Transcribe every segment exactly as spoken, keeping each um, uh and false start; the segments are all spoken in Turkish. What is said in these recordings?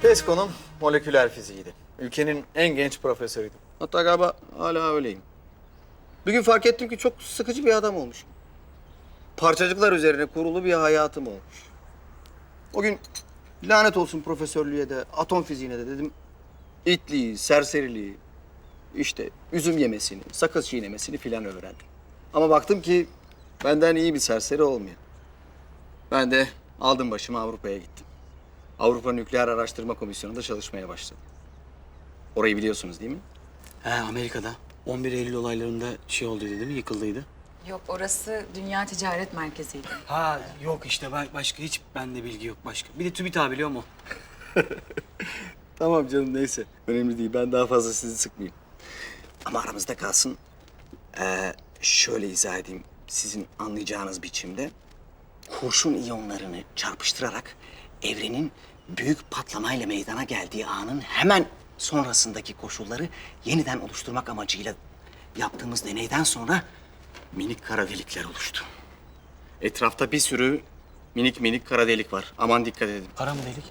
Tez konum moleküler fiziğiydi. Ülkenin en genç profesörüydüm. Hatta galiba hala öyleyim. Bir gün fark ettim ki çok sıkıcı bir adam olmuşum. Parçacıklar üzerine kurulu bir hayatım olmuş. O gün lanet olsun profesörlüğe de, atom fiziğine de dedim. İtliği, serseriliği, işte üzüm yemesini, sakız çiğnemesini filan öğrendim. Ama baktım ki benden iyi bir serseri olmuyor. Ben de aldım başımı Avrupa'ya gittim. Avrupa Nükleer Araştırma Komisyonu'nda çalışmaya başladım. Orayı biliyorsunuz değil mi? He, Amerika'da. on bir Eylül olaylarında şey olduydu değil mi? Yıkıldıydı. Yok, orası Dünya Ticaret Merkezi'ydi. Ha yok işte ben başka hiç bende bilgi yok başka. Bir de TÜBİTAK biliyor mu? Tamam canım neyse. Önemli değil. Ben daha fazla sizi sıkmayayım. Ama aramızda kalsın. Ee, şöyle izah edeyim. Sizin anlayacağınız biçimde kurşun iyonlarını çarpıştırarak evrenin büyük patlamayla meydana geldiği anın hemen sonrasındaki koşulları yeniden oluşturmak amacıyla yaptığımız deneyden sonra minik kara delikler oluştu. Etrafta bir sürü minik minik kara delik var. Aman dikkat edin. Kara mı delik?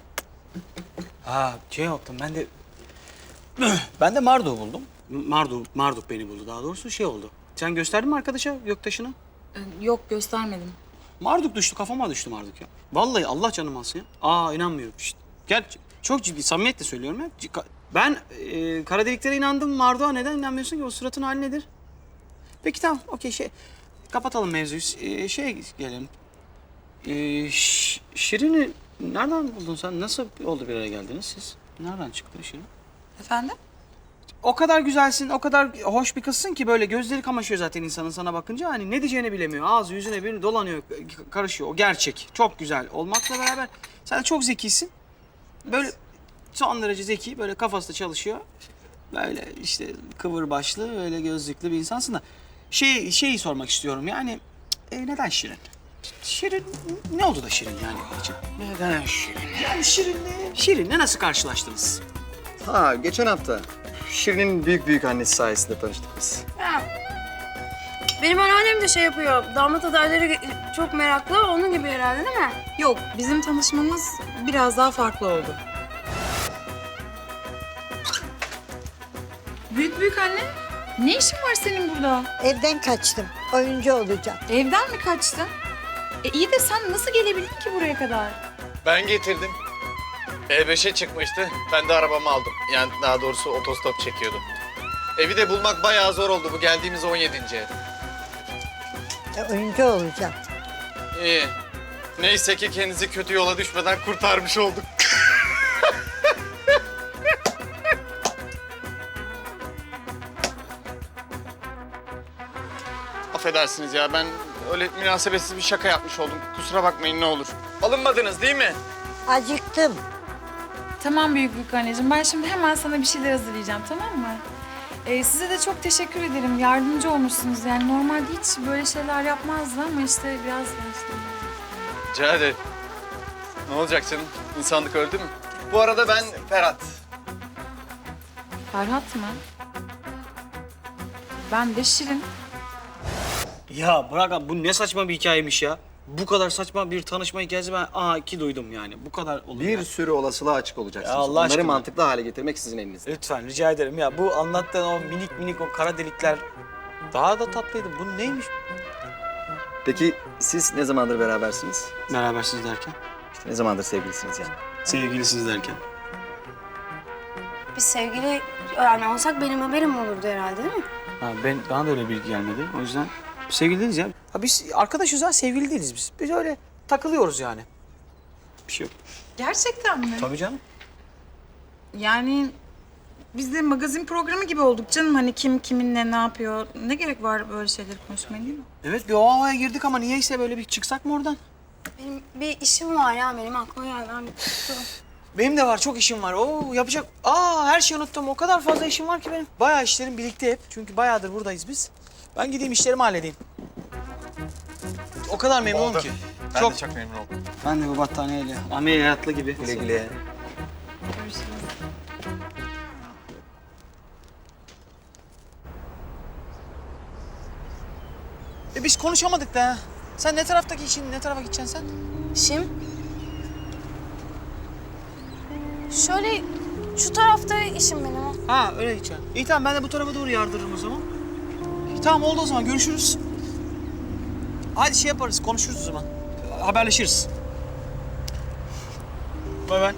Ha şey yaptım ben de... ben de Marduk'u buldum. Marduk, Marduk beni buldu daha doğrusu şey oldu. Sen gösterdin mi arkadaşa göktaşını? Ee, Yok, göstermedim. Marduk düştü, kafama düştü Marduk ya. Vallahi Allah canım alsın ya. Aa inanmıyorum işte. Gel çok ciddi, samimiyetle söylüyorum ya. Ka- Ben e, kara deliklere inandım. Marduk'a neden inanmıyorsun ki? O suratın hali nedir? Peki tamam, okey şey. Kapatalım mevzuyu. E, şeye gelelim. E, Ş- Şirin'i nereden buldun sen? Nasıl oldu bir araya geldiniz siz? Nereden çıktı Şirin? Efendim? O kadar güzelsin, o kadar hoş bir kızsın ki böyle gözleri kamaşıyor zaten insanın sana bakınca. Hani ne diyeceğini bilemiyor. Ağzı yüzüne bir dolanıyor, karışıyor. O gerçek. Çok güzel olmakla beraber sen de çok zekisin. Böyle son derece zeki, böyle kafası da çalışıyor. Böyle işte kıvır başlı, öyle gözlüklü bir insansın da. Şey, şeyi sormak istiyorum yani, e, neden Şirin? Şirin, ne oldu da Şirin yani için? Neden Şirin? Yani Şirin'le, Şirin'le nasıl karşılaştınız? Ha, geçen hafta Şirin'in büyük büyük annesi sayesinde tanıştık biz. Ha. Benim anneannem de şey yapıyor, damat adayları çok meraklı, onun gibi herhalde değil mi? Yok, bizim tanışmamız biraz daha farklı oldu. Büyük büyük anne, ne işin var senin burada? Evden kaçtım. Oyuncu olacağım. Evden mi kaçtın? E iyi de sen nasıl gelebildin ki buraya kadar? Ben getirdim. E beşe çıkmıştı. Ben de arabamı aldım. Yani daha doğrusu otostop çekiyordum. Evi de bulmak bayağı zor oldu. Bu geldiğimiz on yedinci ev. E, oyuncu olacağım. İyi. Neyse ki kendinizi kötü yola düşmeden kurtarmış olduk. Affedersiniz ya, ben öyle münasebetsiz bir şaka yapmış oldum. Kusura bakmayın ne olur. Alınmadınız değil mi? Acıktım. Tamam büyük büyük anneciğim, ben şimdi hemen sana bir şeyler hazırlayacağım, tamam mı? Ee, size de çok teşekkür ederim, yardımcı olmuşsunuz. Yani normalde hiç böyle şeyler yapmazdı ama işte biraz işte... Rica ederim. Ne olacak canım? İnsanlık öldü mü? Bu arada ben Ferhat. Ferhat mı? Ben de Şirin. Ya bırak abi, bu ne saçma bir hikayemiş ya. Bu kadar saçma bir tanışma hikayesi ben aha ki duydum yani. Bu kadar olur Bir yani. sürü olasılığa açık olacaksınız. Ya Allah Onları aşkına. mantıklı hale getirmek sizin elinizde. Lütfen rica ederim ya. Bu anlattığın o minik minik o kara delikler daha da tatlıydı. Bu neymiş? Peki siz ne zamandır berabersiniz? Berabersiniz derken? İşte ne zamandır sevgilisiniz yani? Sevgilisiniz derken. Biz sevgili yani olsak benim haberim olurdu herhalde değil mi? Ha, ben, bana da öyle bilgi gelmedi. O yüzden sevgili değiliz ya. Ha, biz arkadaşız ha, sevgili değiliz biz. Biz öyle takılıyoruz yani. Bir şey yok. Gerçekten mi? Tabii canım. Yani biz de magazin programı gibi olduk canım. Hani kim kiminle ne yapıyor? Ne gerek var böyle şeyleri konuşmaya, değil mi? Evet bir o havaya girdik ama niyeyse böyle bir çıksak mı oradan? Benim bir işim var ya, benim aklıma geldi. Ben bir tuttum. Benim de var, çok işim var. Oo yapacak. Aa her şeyi unuttum. O kadar fazla işim var ki benim. Bayağı işlerim birlikte hep. Çünkü bayağıdır buradayız biz. Ben gideyim işlerimi halledeyim. O kadar memnunum Oldu. ki. Ben çok. de çok memnun oldum. Ben de bu battaniyeyle ameliyatlı gibi. Güle güle. E biz konuşamadık da. Sen ne taraftaki işin, ne tarafa gideceksin sen? İşim? Şöyle şu tarafta işim benim. Ha öyle gideceksin. İyi tamam ben de bu tarafa doğru yardırırım o zaman. İyi tamam oldu o zaman görüşürüz. Hadi şey yaparız konuşuruz o zaman. Haberleşiriz. Bay bay.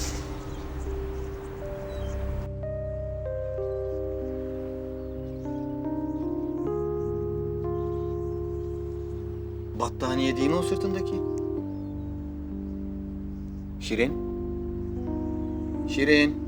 Battaniye değil mi o sırtındaki? Şirin? Şirin.